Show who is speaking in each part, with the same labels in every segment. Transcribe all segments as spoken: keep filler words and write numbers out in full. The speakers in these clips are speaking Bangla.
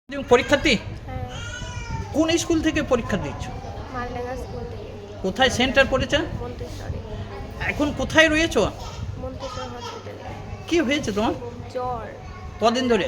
Speaker 1: তুমি পরীক্ষার্থী?
Speaker 2: হ্যাঁ,
Speaker 1: কোন স্কুল থেকে পরীক্ষা দিচ্ছ?
Speaker 2: মালডাঙ্গা স্কুল থেকে।
Speaker 1: কোথায় সেন্টার পড়েছে?
Speaker 2: মন্তেশ্বরে।
Speaker 1: এখন কোথায় রয়েছো?
Speaker 2: মন্তেশ্বর হসপিটালে।
Speaker 1: কি হয়েছে তোমার?
Speaker 2: জ্বর।
Speaker 1: কদিন ধরে?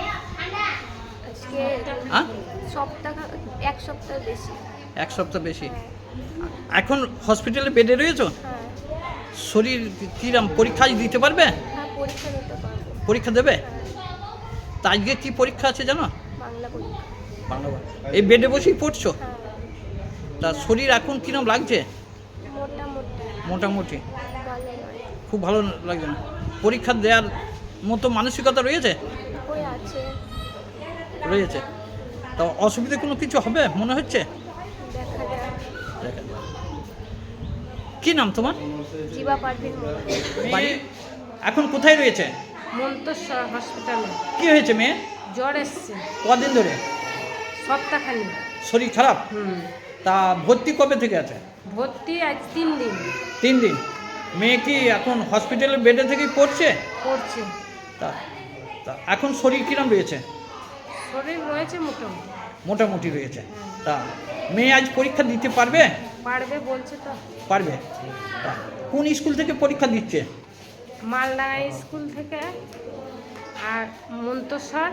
Speaker 2: আজকে
Speaker 1: হ্যাঁ,
Speaker 2: সপ্তাহ এক সপ্তাহ বেশি।
Speaker 1: এক সপ্তাহ বেশি।
Speaker 2: হ্যাঁ,
Speaker 1: এখন হসপিটালে বেডে রয়েছো?
Speaker 2: হ্যাঁ,
Speaker 1: শরীর কিরম? পরীক্ষা আজ দিতে পারবে?
Speaker 2: হ্যাঁ, পরীক্ষা দিতে পারবো।
Speaker 1: পরীক্ষা দেবে?
Speaker 2: হ্যাঁ,
Speaker 1: তা আজকে কি পরীক্ষা আছে জানো?
Speaker 2: বাংলা পরীক্ষা।
Speaker 1: বাংলা। এই বেডে বসেই পড়ছো?
Speaker 2: হ্যাঁ,
Speaker 1: তা শরীর এখন কিরম লাগছে?
Speaker 2: মোটামুটি
Speaker 1: মোটামুটি।
Speaker 2: ভালো নয়।
Speaker 1: খুব ভালো লাগছে না? পরীক্ষা দেওয়ার মতো মানসিকতা রয়েছে?
Speaker 2: ওই আছে,
Speaker 1: রয়েছে। তা অসুবিধা কোনো কিছু হবে মনে হচ্ছে?
Speaker 2: দেখা যাক।
Speaker 1: দেখা যাক। কি নাম তোমার?
Speaker 2: জিবা পারভিন
Speaker 1: বাড়ি এখন কোথায় রয়েছে?
Speaker 3: মন্তেশ্বর হসপিটালে
Speaker 1: কি হয়েছে মেয়ে?
Speaker 3: জ্বর এসছে
Speaker 1: কদিন ধরে?
Speaker 3: সপ্তাহখানি।
Speaker 1: শরীর খারাপ?
Speaker 3: হুম
Speaker 1: তা ভর্তি কবে থেকে আছে?
Speaker 3: ভর্তি আজ তিন দিন
Speaker 1: তিন দিন। মেয়ে কি এখন হসপিটালের বেডে থেকেই পড়ছে?
Speaker 3: পড়ছে।
Speaker 1: তা তা এখন শরীর কিরম রয়েছে?
Speaker 3: শরীর রয়েছে মোটামুটি।
Speaker 1: মোটামুটি রয়েছে। তা মেয়ে আজ পরীক্ষা দিতে পারবে?
Speaker 3: পারবে বলছে তো।
Speaker 1: পারবে। তা কোন স্কুল থেকে পরীক্ষা দিচ্ছে?
Speaker 3: মালডাঙ্গা স্কুল থেকে আর মন্তেশ্বর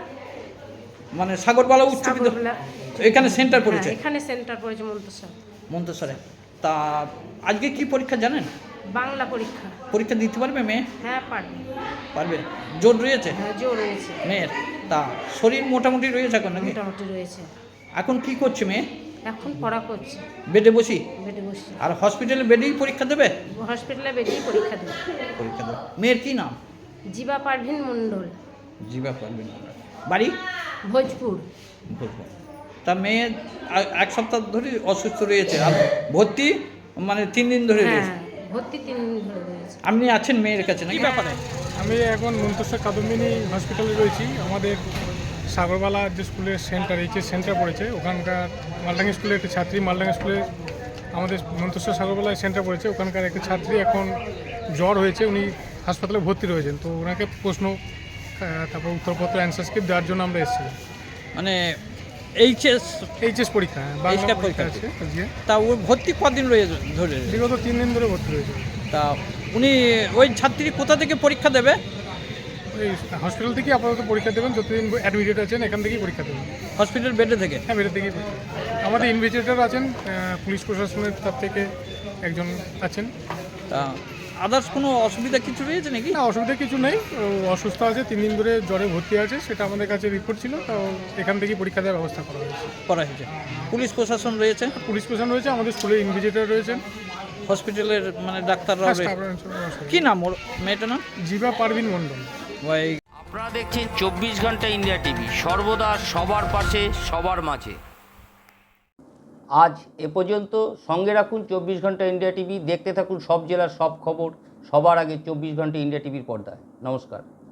Speaker 1: মানে সাগরবালা উচ্চ বিদ্যালয়
Speaker 3: সাগরবেলা।
Speaker 1: এখানে সেন্টার পড়েছে?
Speaker 3: হ্যাঁ, এখানে সেন্টার পড়েছে মন্তেশ্বর।
Speaker 1: মন্তেশ্বরে। তা আজকে কি পরীক্ষা জানেন?
Speaker 3: বাংলা পরীক্ষা।
Speaker 1: পরীক্ষা দিতে পারবে মেয়ে?
Speaker 3: হ্যাঁ পারবে।
Speaker 1: পারবে। জোর রয়েছে
Speaker 3: হ্যাঁ জোর রয়েছে।
Speaker 1: মেয়ের? তা শরীর মোটামুটি রয়েছে এখন নাকি?
Speaker 3: মোটামুটি রয়েছে।
Speaker 1: এখন কি করছে মেয়ে?
Speaker 3: এখন পড়া করছে
Speaker 1: বেডে বসি?
Speaker 3: বেডে বসছে।
Speaker 1: আর হসপিটালে বেডেই পরীক্ষা দেবে?
Speaker 3: হসপিটালে বেডেই পরীক্ষা দেবে।
Speaker 1: পরীক্ষা দেবে। মেয়ের কি নাম?
Speaker 3: জিবা পারভিন মণ্ডল।
Speaker 1: জিবা পারবেন। বাড়ি?
Speaker 3: ভোজপুর।
Speaker 1: ভোজপুর। তা মেয়ে আ- এক সপ্তাহ ধরে অসুস্থ রয়েছে আর ভর্তি মানে তিন দিন ধরে
Speaker 3: হ্যাঁ
Speaker 1: রয়েছে।
Speaker 3: ভর্তি তিন দিন ধরে রয়েছে।
Speaker 1: আপনি আছেন মেয়ের কাছে নাকি? ব্যাপারে
Speaker 4: আমি এখন মন্তেশ্বর কাদম্বিনী হসপিটালে রয়েছি। আমাদের সাগরবালা যে স্কুলের সেন্টার এইচ এস সেন্টার পড়েছে, ওখানকার মালডাঙ্গা স্কুলের একটি ছাত্রী, মালডাঙ্গা স্কুলে আমাদের মন্তেশ্বর সাগরবালায় সেন্টার পড়েছে, ওখানকার একটি ছাত্রী এখন জ্বর হয়েছে, উনি হাসপাতালে ভর্তি রয়েছেন। তো ওনাকে প্রশ্ন আহ, তারপর উত্তরপত্র অ্যান্সার স্ক্রিপ্ট দেওয়ার জন্য আমরা এসেছিলাম।
Speaker 1: মানে এইচএস
Speaker 4: এইচ এস পরীক্ষা, হ্যাঁ, বাংলা
Speaker 1: এইচএস
Speaker 4: পরীক্ষা
Speaker 1: পরীক্ষা
Speaker 4: আছে আজকে।
Speaker 1: তা ও ভর্তি কদিন রয়েছে ধরে?
Speaker 4: বিগত তিন দিন ধরে ভর্তি রয়েছে।
Speaker 1: তা উনি ওই ছাত্রী কোথা থেকে পরীক্ষা দেবে?
Speaker 4: ওই হসপিটাল থেকেই আপাতত পরীক্ষা দেবেন, যতদিন অ্যাডমিটেড আছেন এখান থেকেই পরীক্ষা দেবেন।
Speaker 1: হসপিটাল বেডে থেকে?
Speaker 4: হ্যাঁ, বেরোতে গিয়ে আমাদের ইনভেস্টিগেটর আছেন, আহ, পুলিশ প্রশাসনের তরফ থেকে একজন আছেন।
Speaker 1: তা আদার্স কোনো অসুবিধা কিছু রয়েছে নাকি?
Speaker 4: না, অসুবিধা কিছু নেই। ও অসুস্থ আছে, তিন দিন ধরে জ্বরে ভর্তি আছে, সেটা আমাদের কাছে রিপোর্ট ছিল। তো এখান থেকেই পরীক্ষা দেওয়ার ব্যবস্থা করা হয়েছে।
Speaker 1: করা হয়েছে। পুলিশ প্রশাসন রয়েছে,
Speaker 4: পুলিশ প্রশাসন রয়েছে, আমাদের স্কুলের ইনভেস্টিগেটর রয়েছেন,
Speaker 1: হস্পিটালের মানে ডাক্তাররাও রয়েছে।
Speaker 4: স্টাফ রয়েছে।
Speaker 1: কি নাম ওর মেয়েটার নাম?
Speaker 4: জিবা পারভিন মণ্ডল।
Speaker 1: ভাই
Speaker 5: আপনারা দেখছেন চব্বিশ ঘন্টা ইন্ডিয়া টিভি, সর্বদা সবার পাশে সবার মাঝে। আজ এ পর্যন্ত। সঙ্গে রাখুন চব্বিশ ঘন্টা ইন্ডিয়া টিভি, দেখতে থাকুন সব জেলার সব খবর সবার আগে চব্বিশ ঘন্টা ইন্ডিয়া টিভির পর্দায়। নমস্কার।